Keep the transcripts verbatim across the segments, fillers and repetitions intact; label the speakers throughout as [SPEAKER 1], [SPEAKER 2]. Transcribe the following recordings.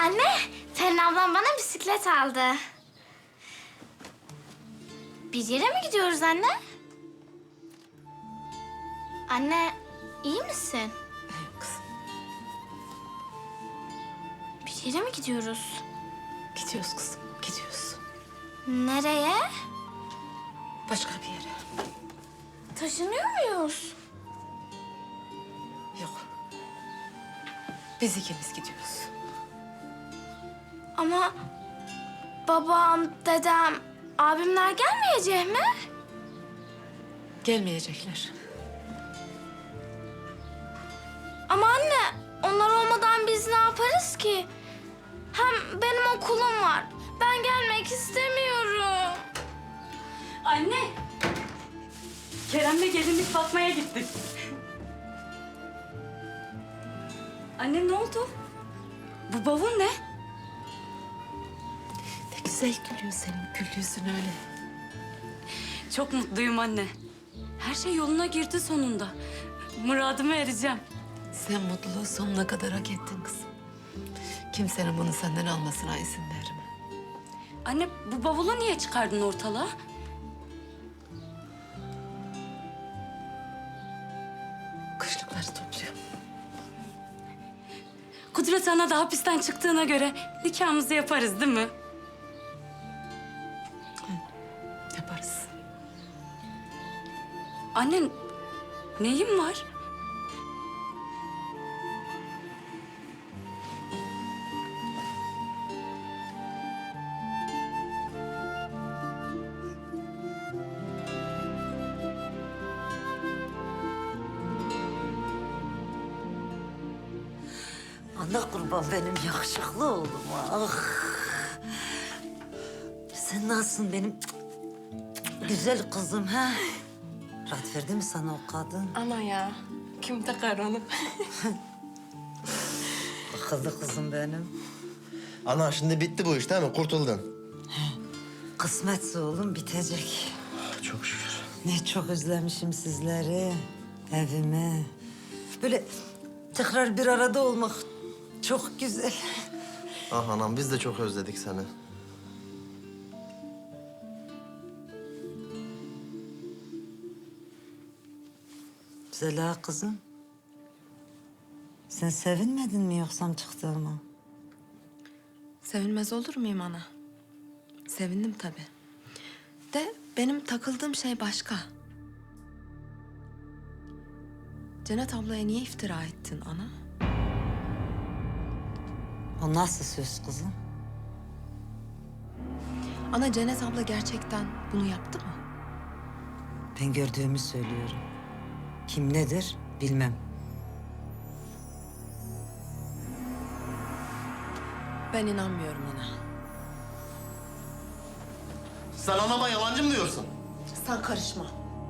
[SPEAKER 1] Anne, Pelin ablam bana bisiklet aldı. Bir yere mi gidiyoruz anne? Anne, iyi misin?
[SPEAKER 2] İyiyim kızım.
[SPEAKER 1] Bir yere mi gidiyoruz?
[SPEAKER 2] Gidiyoruz kızım, gidiyoruz.
[SPEAKER 1] Nereye?
[SPEAKER 2] Başka bir yere.
[SPEAKER 1] Taşınıyor muyuz?
[SPEAKER 2] Yok. Biz ikimiz gidiyoruz.
[SPEAKER 1] Ama babam, dedem, abimler gelmeyecek mi?
[SPEAKER 2] Gelmeyecekler.
[SPEAKER 1] Ama anne, onlar olmadan biz ne yaparız ki? Hem benim okulum var. Ben gelmek istemiyorum.
[SPEAKER 3] Anne! Kerem'le gelinlik bakmaya gittik. Anne ne oldu? Bu bavul ne?
[SPEAKER 2] Ne güzel gülüyor senin gül yüzün öyle.
[SPEAKER 3] Çok mutluyum anne. Her şey yoluna girdi sonunda. Muradıma ereceğim.
[SPEAKER 2] Sen mutluluğu sonuna kadar hak ettin kızım. Kimsenin bunu senden almasına izin verme.
[SPEAKER 3] Anne bu bavulu niye çıkardın ortalığa?
[SPEAKER 2] Kışlıkları topluyorum.
[SPEAKER 3] Kudret Ana da hapisten çıktığına göre nikahımızı yaparız değil mi?
[SPEAKER 2] Yaparız.
[SPEAKER 3] Anne neyin var?
[SPEAKER 4] Ana kurban benim yakışıklı oğlum. Ah. Sen nasılsın benim güzel kızım ha? Rahat verdi mi sana o kadın?
[SPEAKER 2] Ana ya, kim takar onu?
[SPEAKER 4] Akıllı kızım benim.
[SPEAKER 5] Ana şimdi bitti bu iş değil mi? Kurtuldun.
[SPEAKER 4] Kısmetse oğlum bitecek.
[SPEAKER 5] Çok şükür.
[SPEAKER 4] Ne çok özlemişim sizleri, evimi. Böyle tekrar bir arada olmak çok güzel.
[SPEAKER 5] Ah anam biz de çok özledik seni.
[SPEAKER 4] Zela kızım. Sen sevinmedin mi yoksa çıktığıma?
[SPEAKER 6] Sevinmez olur muyum ana? Sevindim tabii. De benim takıldığım şey başka. Cennet ablaya niye iftira ettin ana?
[SPEAKER 4] O nasıl söz kızım?
[SPEAKER 6] Ana Cennet abla gerçekten bunu yaptı mı?
[SPEAKER 4] Ben gördüğümü söylüyorum. Kim nedir bilmem.
[SPEAKER 6] Ben inanmıyorum ana.
[SPEAKER 5] Sen anama yalancı mı diyorsun?
[SPEAKER 6] Sen karışma.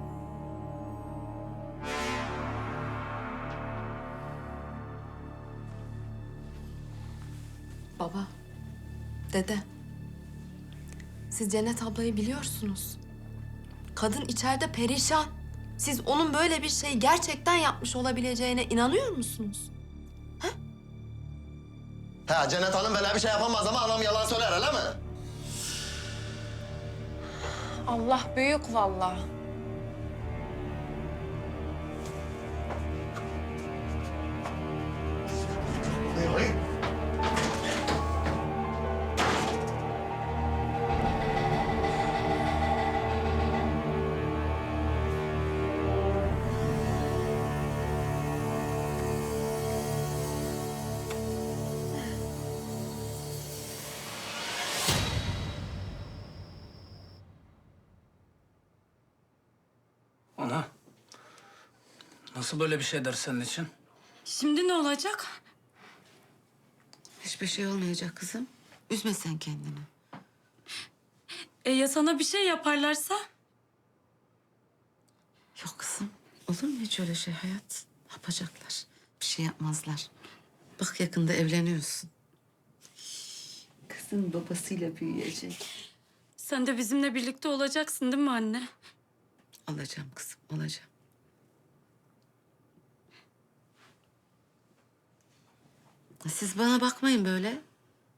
[SPEAKER 6] Baba, dede. Siz Cennet ablayı biliyorsunuz. Kadın içeride perişan. Siz onun böyle bir şeyi gerçekten yapmış olabileceğine inanıyor musunuz?
[SPEAKER 5] He Cennet Hanım böyle bir şey yapamaz ama anam yalan söyler öyle mi?
[SPEAKER 6] Allah büyük vallahi.
[SPEAKER 7] Ana, nasıl böyle bir şey der senin için?
[SPEAKER 3] Şimdi ne olacak?
[SPEAKER 2] Hiçbir şey olmayacak kızım. Üzme sen kendini.
[SPEAKER 3] E ya sana bir şey yaparlarsa?
[SPEAKER 2] Yok kızım, olur mu hiç öyle şey hayat? Yapacaklar, bir şey yapmazlar. Bak yakında evleniyorsun. Kızın babasıyla büyüyecek.
[SPEAKER 3] Sen de bizimle birlikte olacaksın değil mi anne?
[SPEAKER 2] Olacağım kızım, olacağım. Siz bana bakmayın böyle.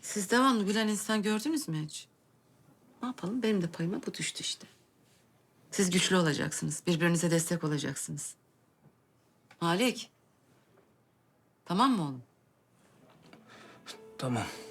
[SPEAKER 2] Siz devamlı gülen insan gördünüz mü hiç? Ne yapalım? Benim de payıma bu düştü işte. Siz güçlü olacaksınız. Birbirinize destek olacaksınız. Malik. Tamam mı oğlum?
[SPEAKER 7] Tamam.